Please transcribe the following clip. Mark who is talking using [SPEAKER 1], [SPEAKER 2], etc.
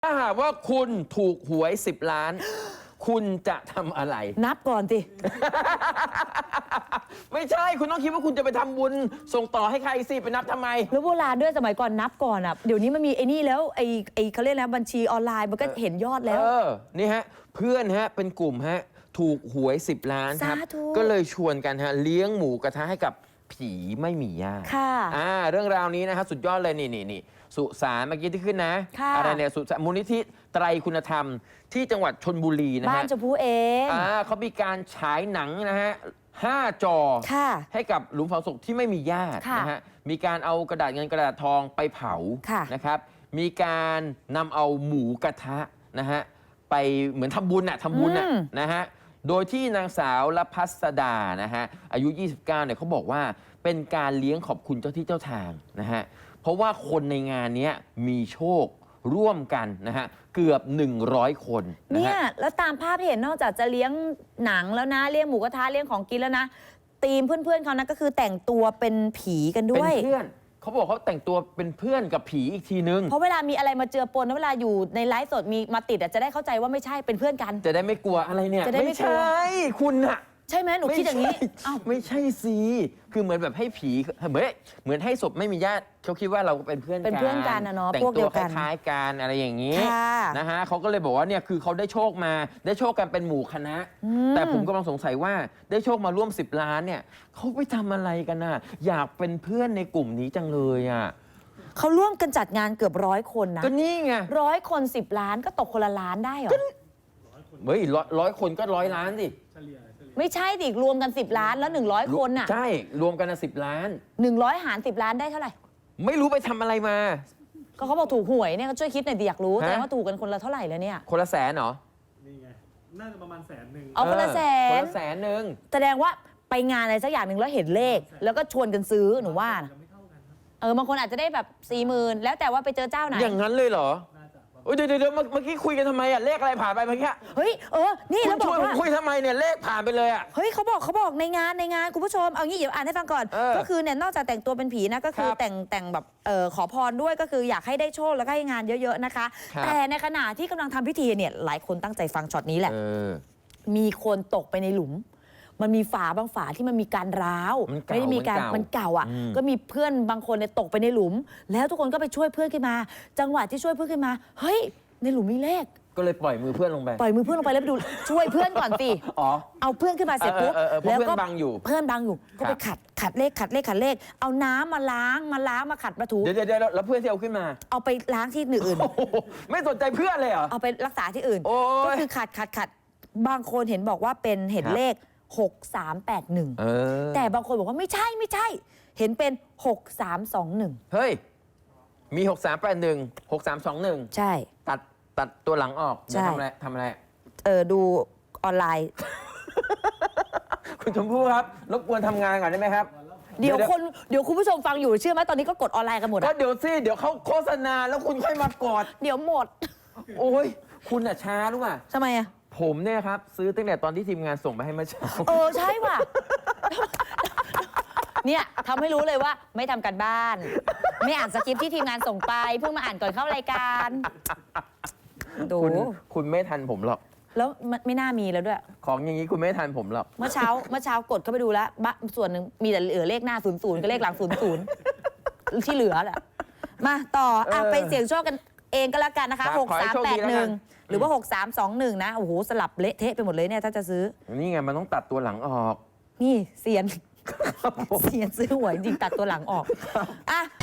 [SPEAKER 1] ถ้าหากว่าคุณถูกหวย10 ล้าน คุณจะทำอะไร
[SPEAKER 2] นับก่อนสิ
[SPEAKER 1] ไม่ใช่คุณต้องคิดว่าคุณจะไปทำบุญส่งต่อให้ใครสิไปนับทำไม
[SPEAKER 2] แล้วโบราณด้วยสมัยก่อนนับก่อนอ่ะเดี๋ยวนี้มันมีไอ้นี่แล้วไอ้เขาเรียกนะบัญชีออนไลน์มันก็เห็นยอดแล้ว
[SPEAKER 1] นี่ฮะเพื่อนฮะเป็นกลุ่มฮะถูกหวย10 ล้านครับ
[SPEAKER 2] สาธุ
[SPEAKER 1] ก็เลยชวนกันฮะเลี้ยงหมูกระทะให้กับผีไม่มีญาติ
[SPEAKER 2] ค่ะ
[SPEAKER 1] เรื่องราวนี้นะครับสุดยอดเลยนี่สุสานเมื่อกี้ที่ขึ้นนะ
[SPEAKER 2] ค่ะ
[SPEAKER 1] อะไรเนี่ยสุสานมูลนิธิไตรคุณธรรมที่จังหวัดชลบุรีนะ
[SPEAKER 2] บ้า
[SPEAKER 1] ฮะ
[SPEAKER 2] นชมพูเอง
[SPEAKER 1] เขามีการฉายหนังนะฮะ5 จอ
[SPEAKER 2] ค่ะ
[SPEAKER 1] ให้กับหลุมฝังศพที่ไม่มีญาติ
[SPEAKER 2] ค่ะ
[SPEAKER 1] นะฮะมีการเอากระดาษเงินกระดาษทองไปเผา
[SPEAKER 2] ค่ะ
[SPEAKER 1] นะครับมีการนำเอาหมูกระทะนะฮะไปเหมือนทำบุญนะฮะโดยที่นางสาวละพัสดานะฮะอายุ 29เนี่ยเขาบอกว่าเป็นการเลี้ยงขอบคุณเจ้าที่เจ้าทางนะฮะเพราะว่าคนในงานนี้มีโชคร่วมกันนะฮะเกือบ100 คนนะ
[SPEAKER 2] เนี่ย
[SPEAKER 1] ฮะ
[SPEAKER 2] แล้วตามภาพที่เห็นนอกจากจะเลี้ยงหนังแล้วนะเลี้ยงหมูกระทะเลี้ยงของกินแล้วนะทีมเพื่อนๆเขานะก็คือแต่งตัวเป็นผีกันด้
[SPEAKER 1] เป็น
[SPEAKER 2] วย
[SPEAKER 1] เพื่อนเขาบอกเขาแต่งตัวเป็นเพื่อนกับผีอีกทีนึง
[SPEAKER 2] เพราะเวลามีอะไรมาเจือปนแล้วเวลาอยู่ในไลฟ์สดมีมาติดจะได้เข้าใจว่าไม่ใช่เป็นเพื่อนกัน
[SPEAKER 1] จะได้ไม่กลัวอะไรเนี่ย
[SPEAKER 2] จะได้ไม่กลัว
[SPEAKER 1] ใช่คุณอะ
[SPEAKER 2] ใช่ไหมหนูคิดอย่างนี้
[SPEAKER 1] ไม่ใช่
[SPEAKER 2] เอ้า
[SPEAKER 1] ไม่ใช่สิคือเหมือนแบบให้ผีเหมือนให้ศพไม่มีญาติเขาคิดว่าเราเป็นเพื่อนกัน
[SPEAKER 2] เป็นเพื่อนกันนะเนาะ
[SPEAKER 1] แต่ง
[SPEAKER 2] พวก
[SPEAKER 1] ตั
[SPEAKER 2] เดี
[SPEAKER 1] ว
[SPEAKER 2] ยว
[SPEAKER 1] ค
[SPEAKER 2] กัน
[SPEAKER 1] ล้ายๆกันอะไรอย่างนี้
[SPEAKER 2] ค่ะ
[SPEAKER 1] นะฮะเขาก็เลยบอกว่าเนี่ยคือเขาได้โชคมาได้โชคกันเป็นหมู่คณะ แต่ผมกำลังสงสัยว่าได้โชคมาร่วม10 ล้านเนี่ยเขาไปทำอะไรกันน่ะอยากเป็นเพื่อนในกลุ่มนี้จังเลยอ่ะ
[SPEAKER 2] เขาร่วมกันจัดงานเกือบ100 คนนะ
[SPEAKER 1] ก็นี่ไง
[SPEAKER 2] 100 คน10 ล้านก็ตกคนละล้านได้เหรอ
[SPEAKER 1] เฮ้ยร้อยคนก็100 ล้านสิ
[SPEAKER 2] ไม่ใช่ดิรวมกัน 10 ล้านแล้ว100 คนน่ะ
[SPEAKER 1] ใช่รวมกันนะ10 ล้าน
[SPEAKER 2] 100 หาร 10 ล้านได้เท่าไหร่
[SPEAKER 1] ไม่รู้ไปทำอะไรมา
[SPEAKER 2] ก็เขาบอกถูกหวยเนี่ยก็ช่วยคิดหน่อยดิอยากรู้
[SPEAKER 1] ฮะ
[SPEAKER 2] แสดงว่าถูกกันคนละเท่าไหร่แล้วเนี่ย
[SPEAKER 1] คนละแสนเหรอ
[SPEAKER 3] นี่ไง น่าจะประมาณ100,000
[SPEAKER 2] เอาคนละแส
[SPEAKER 1] คน
[SPEAKER 2] น
[SPEAKER 1] ละ100,000
[SPEAKER 2] แสดงว่าไปงานอะไรสักอย่างหนึ่งแล้วเห็นเลข แล้วก็ชวนกันซื้อหนูว่านะ
[SPEAKER 3] จะไม่เท่ากันครับ
[SPEAKER 2] บางคนอาจจะได้แบบ40,000แล้วแต่ว่าไปเจอเจ้าไหน
[SPEAKER 1] อย่างนั้นเลยเหรอ
[SPEAKER 3] น่าจะประมาณ
[SPEAKER 1] โอ้ยเดี๋ยวเมื่อกี้คุยกันทำไมอะเลขอะไรผ่านไปเมื่อกี้
[SPEAKER 2] เฮ้ยนี่
[SPEAKER 1] คุ
[SPEAKER 2] แล้
[SPEAKER 1] ณ
[SPEAKER 2] วบ
[SPEAKER 1] ช
[SPEAKER 2] อ
[SPEAKER 1] วน
[SPEAKER 2] ก
[SPEAKER 1] ผม
[SPEAKER 2] ว่า
[SPEAKER 1] คุยทำไมเนี่ยเลขผ่านไปเลยอะ
[SPEAKER 2] เฮ้ยเขาบอกในงานคุณผู้ชมเอางี้เดี๋ยวอ่านให้ฟังก่อน ก็คือเนี่ยนอกจากแต่งตัวเป็นผีนะก็คือ
[SPEAKER 1] ครับ
[SPEAKER 2] แต่งแบบขอพรด้วยก็คืออยากให้ได้โชคแล้วก็ให้งานเยอะๆนะคะ
[SPEAKER 1] ครับ
[SPEAKER 2] แต่ในขณะที่กำลังทำพิธีเนี่ยหลายคนตั้งใจฟังช็อตนี้แหละ
[SPEAKER 1] เออ
[SPEAKER 2] มีคนตกไปในหลุม มันมีฝาบางฝาที่มันมีการร้าว
[SPEAKER 1] มันเก่า
[SPEAKER 2] ไม่ได้มีการ
[SPEAKER 1] มั
[SPEAKER 2] มัน
[SPEAKER 1] นเก่า
[SPEAKER 2] เก่าอ่ะ
[SPEAKER 1] อืม
[SPEAKER 2] ก็มีเพื่อนบางคนเนี่ยตกไปในหลุม แล้วทุกคนก็ไปช่วยเพื่อนขึ้นมา จังหวะที่ช่วยเพื่อนขึ้นมา เฮ้ย ในหลุมมีเลข
[SPEAKER 1] ก็เลยปล่อยมือเพื่อนลงไป
[SPEAKER 2] ปล่อยมือเพื่อนลงไปแล้วไปดู ช่วยเพื่อนก่อนสิ
[SPEAKER 1] อ๋อ
[SPEAKER 2] เอาเพื่อนขึ้นมาเสร็จปุ๊บ
[SPEAKER 1] เพราะเพื่อนบังอยู่
[SPEAKER 2] เพื่อนบังอยู่ ก็ไปขัดเลข เอาน้ำมาล้างมาขัดมาถู
[SPEAKER 1] เดี๋ยวแล้วเพื่อนที่เอาขึ้นมา
[SPEAKER 2] เอาไปล้างที่อื่น
[SPEAKER 1] โอ้โหไม่สนใจเพื่อนเลยเหรอ
[SPEAKER 2] เอาไปรักษาที่อื่น
[SPEAKER 1] โอ้ย
[SPEAKER 2] ก็คือขัดบางคนเห็นบอกว่าเป็นเห็น
[SPEAKER 1] ครับ
[SPEAKER 2] เลข 6381
[SPEAKER 1] เออ
[SPEAKER 2] แต่บางคนบอกว่าไม่ใช่ เห็นเป็น 6321
[SPEAKER 1] เฮ้ย มี 6381 6321
[SPEAKER 2] ใช่
[SPEAKER 1] ตัดตัวหลังออก
[SPEAKER 2] ใช่
[SPEAKER 1] ทำอะไร
[SPEAKER 2] ดูออนไลน์
[SPEAKER 1] คุณชมพู่ครับรบกวนทำงานก่อนได้ไหมครับ
[SPEAKER 2] เดี๋ยวคุณผู้ชมฟังอยู่เชื่อไหมตอนนี้ก็กดออนไลน์กันหมด
[SPEAKER 1] ก็
[SPEAKER 2] อะ
[SPEAKER 1] เดี๋ยวเขาโฆษณาแล้วคุณค่อยมากอด
[SPEAKER 2] เดี๋ยวหมด
[SPEAKER 1] โอ้ยคุณอะช้ารู้ป่ะ
[SPEAKER 2] ทำไมอะ
[SPEAKER 1] ผมเนี่ยครับ ซื้อตั้งแต่ตอนที่ทีมงานส่งไปให้เมื่อเช้า
[SPEAKER 2] ใช่ว่ะ เนี่ยทำให้รู้เลยว่าไม่ทำกันบ้าน ไม่อ่านสคริปต์ที่ทีมงานส่งไปเพิ่งมาอ่านก่อนเข้ารายการดู
[SPEAKER 1] คุณไม่ทันผมหรอก
[SPEAKER 2] แล้วไม่น่ามีแล้วด้วย
[SPEAKER 1] ของอย่างนี้คุณไม่ทันผมหรอก
[SPEAKER 2] เมื่อเช้ากดเข้าไปดูแล้วส่วนหนึ่งมีแต่เหลือเลขหน้า00กับเลขหลัง00ที่เหลือแหละมาต่อไปเสี่ยงโชคกันเองก็แล้วกันนะคะ
[SPEAKER 1] ครับขอให้โชคดีแล้วกัน
[SPEAKER 2] 6381 หรือว่า 6321 นะโอ้โหสลับเละเทะไปหมดเลยเนี่ยถ้าจะซื้อ
[SPEAKER 1] นี่ไงมันต้องตัดตัวหลังออก
[SPEAKER 2] นี่เซียนซื้อหวยจริงตัดตัวหลังออก